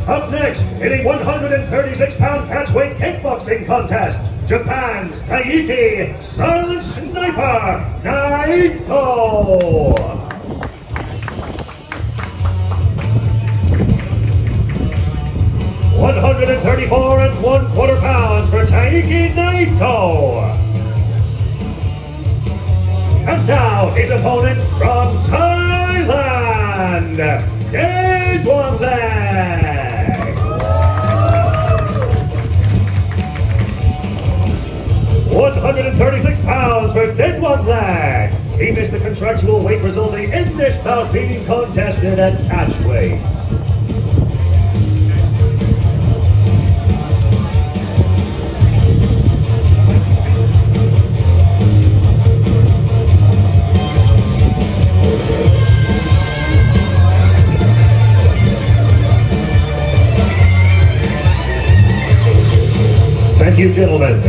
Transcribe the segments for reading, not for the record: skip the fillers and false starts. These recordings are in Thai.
Up next, in a 136-pound catchweight kickboxing contest, Japan's Taiki Silent Sniper Naito. 134 1/4 pounds for Taiki Naito. And now his opponent from Thailand, Daedwonleg. 136 pounds for Daedwonleg. He missed the contractual weight resulting in this bout being contested at catchweight. Thank you, gentlemen.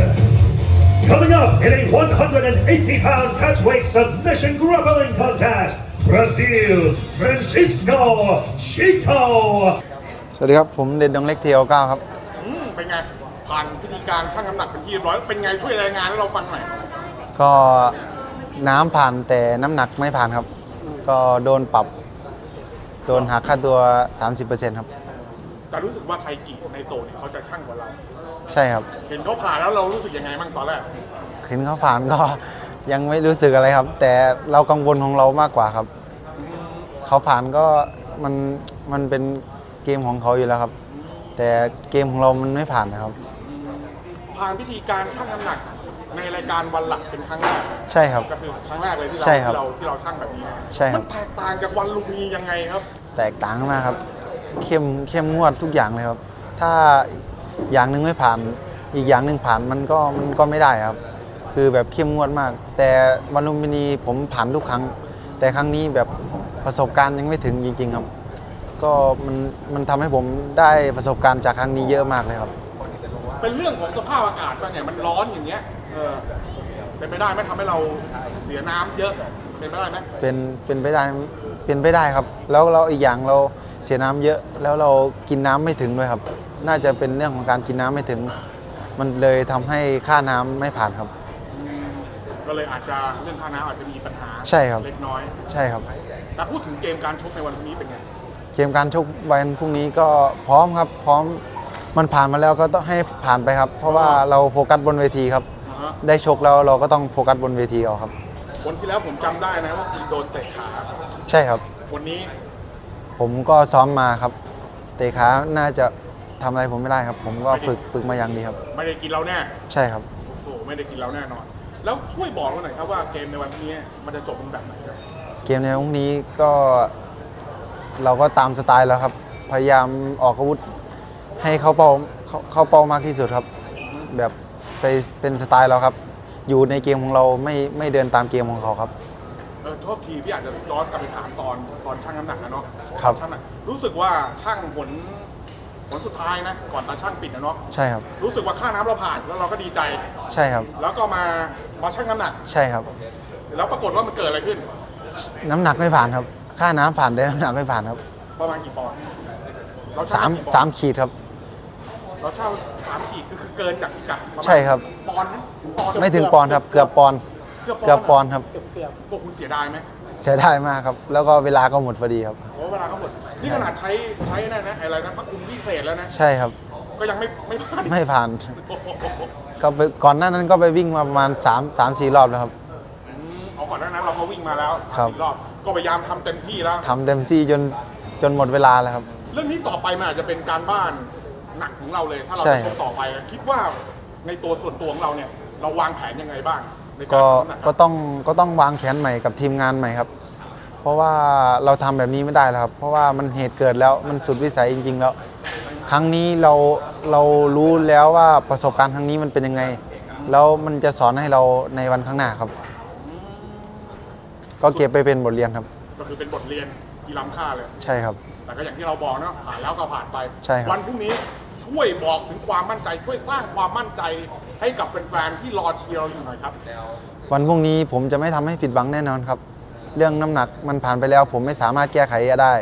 Coming up in a 180-pound catchweight submission grappling contest, Brazil's Francisco Chico. สวัสดีครับผมเด่นดงเล็กเทียว9ครับเป็นไงผ่านพิธีการชั่งน้ำหนักเป็นที่เรียบร้อยเป็นไงช่วยรายงานให้เราฟังหน่อยก็น้ำผ่านแต่น้ำหนักไม่ผ่านครับ ก็โดนปรับโดนหักค่าตัว 30% ครับแต่รู้สึกว่าไทกิในโตเนี่ยเขาจะชั่งกว่าเราใช่ครับเห็นเขาผ่านแล้วเรารู้สึกยังไงบ้างตอนแรกเห็นเขาผ่านก็ยังไม่รู้สึกอะไรครับ แต่เรากังวลของเรามากกว่าครับเขาผ่านก็มันเป็นเกมของเขาอยู่แล้วครับ แต่เกมของเรามันไม่ผ่านนะครับผ่านพิธีการชั่งน้ำหนักในรายการวันหลักเป็นครั้งแรกใช่ครับก็คือครั้งแรกเลยที่ใช่ครับเราชั่งแบบนี้ใช่ครับมันแตกต่างจากวันลุมพินียังไงครับแตกต่างมากครับเข้มงวดทุกอย่างเลยครับ ถ้าอย่างหนึ่งไม่ผ่านอีกอย่างหนึ่งผ่านมันก็ไม่ได้ครับ คือแบบเข้มงวดมาก แต่วันลุมพินีผมผ่านทุกครั้ง แต่ครั้งนี้แบบประสบการณ์ยังไม่ถึงจริงๆครับ ก็มันทำให้ผมได้ประสบการณ์จากครั้งนี้เยอะมากเลยครับเป็นเรื่องของสภาพอากาศป่ะเนี่ยมันร้อนอย่างเงี้ยเป็นไปได้ไหมทำให้เราเสียน้ำเยอะเป็นไปได้ไหมเป็นไปได้ครับ แล้วเราอีกอย่างเราเสียน้ำเยอะ แล้วเรากินน้ำไม่ถึงด้วยครับ น่าจะเป็นเรื่องของการกินน้ำไม่ถึง มันเลยทำให้ค่าน้ำไม่ผ่านครับก็เลยอาจจะเรื่องค่าน้ำอาจจะมีปัญหาใช่ครับเล็กน้อยใช่ครับแต่พูดถึงเกมการชกในวันพรุ่งนี้เป็นไงเกมการชกวันพรุ่งนี้ก็พร้อมครับ พร้อมมันผ่านมาแล้วก็ต้องให้ผ่านไปครับ เพราะว่าเราโฟกัสบนเวทีครับ ได้ชกแล้วเราก็ต้องโฟกัสบนเวทีเอาครับวันที่แล้วผมจำได้นะว่าคุณโดนเตะขาใช่ครับวันนี้ผมก็ซ้อมมาครับ เตะขาน่าจะทำอะไรผมไม่ได้ครับ ผมก็ฝึกมาอย่างดีครับไม่ได้กินเราแน่ใช่ครับโอ้โหไม่ได้กินเราแน่นอน แล้วช่วยบอกเราหน่อยครับว่าเกมในวันพรุ่งนี้มันจะจบเป็นแบบไหนครับเกมในพรุ่งนี้ก็เราก็ตามสไตล์แล้วครับ พยายามออกอาวุธให้เข้าเป้ามากที่สุดครับ แบบไปเป็นสไตล์เราครับ อยู่ในเกมของเราไม่เดินตามเกมของเขาครับโทษทีพี่อาจจะย้อนกลับไปถามตอนชั่งน้ำหนักนะเนาะครับชั่งน้ำหนักรู้สึกว่าชั่งผลสุดท้ายนะก่อนตาชั่งปิดนะเนาะใช่ครับรู้สึกว่าค่าน้ำเราผ่านแล้วเราก็ดีใจใช่ครับแล้วก็มาชั่งน้ำหนักใช่ครับแล้วปรากฏว่ามันเกิดอะไรขึ้นน้ำหนักไม่ผ่านครับ ค่าน้ำผ่านแต่น้ำหนักไม่ผ่านครับประมาณกี่ปอนด์เราสาชั่งมกี่ปอนด์สามขีดครับเราเช่า3 ขีดคือเกินจากพิกัดประมาณใช่ครับปอนด์นะปอนด์ไม่ถึงปอนด์ครับ เกือบปอนด์เกือบปอนด์ครับพวกคุณเสียดายไหมเสียดายมากครับ แล้วก็เวลาก็หมดพอดีครับโอ้เวลาก็หมดนี่ขนาดใช้นั่นนะอะไรนะพระคุณพิเศษแล้วนะใช่ครับก็ยังไม่ผ่านไม่ผ่านโอ้โหก็ไปก่อนหน้านั้นก็ไปวิ่งมาประมาณ3-4 รอบแล้วครับเอาก่อนหน้านั้นเราก็วิ่งมาแล้วครับ 4 รอบก็พยายามทำเต็มที่แล้วทำเต็มที่จนหมดเวลาแล้วครับเรื่องนี้ต่อไปมันอาจจะเป็นการบ้านหนักของเราเลย ถ้าเราใช่จะชกต่อไปคิดว่าในตัวส่วนตัวของเราเนี่ยเราวางแผนยังไงบ้างในการก็ทำน้ำหนักก็ต้องวางแผนใหม่กับทีมงานใหม่ครับ เพราะว่าเราทำแบบนี้ไม่ได้แล้วครับ เพราะว่ามันเหตุเกิดแล้วมันสุดวิสัยจริงๆแล้ว ครั้งนี้เรารู้แล้วว่าประสบการณ์ครั้งนี้มันเป็นยังไง แล้วมันจะสอนให้เราในวันข้างหน้าครับ ก็เก็บไปเป็นบทเรียนครับก็คือเป็นบทเรียนที่ล้ำค่าเลยใช่ครับแต่ก็อย่างที่เราบอกเนาะผ่านแล้วก็ผ่านไปใช่ครับวันพรุ่งนี้ช่วยบอกถึงความมั่นใจ ช่วยสร้างความมั่นใจให้กับแฟนๆที่รอเชียร์เราอยู่หน่อยครับวันพรุ่งนี้ผมจะไม่ทำให้ผิดหวังแน่นอนครับ เรื่องน้ำหนักมันผ่านไปแล้ว ผมไม่สามารถแก้ไขได้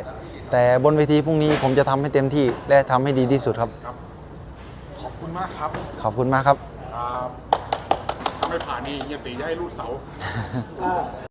แต่บนเวทีพรุ่งนี้ผมจะทำให้เต็มที่และทำให้ดีที่สุดครับครับ ขอบคุณมากครับขอบคุณมากครับครับถ้าไม่ผ่านนี่เฮียตีจะให้รูดเสา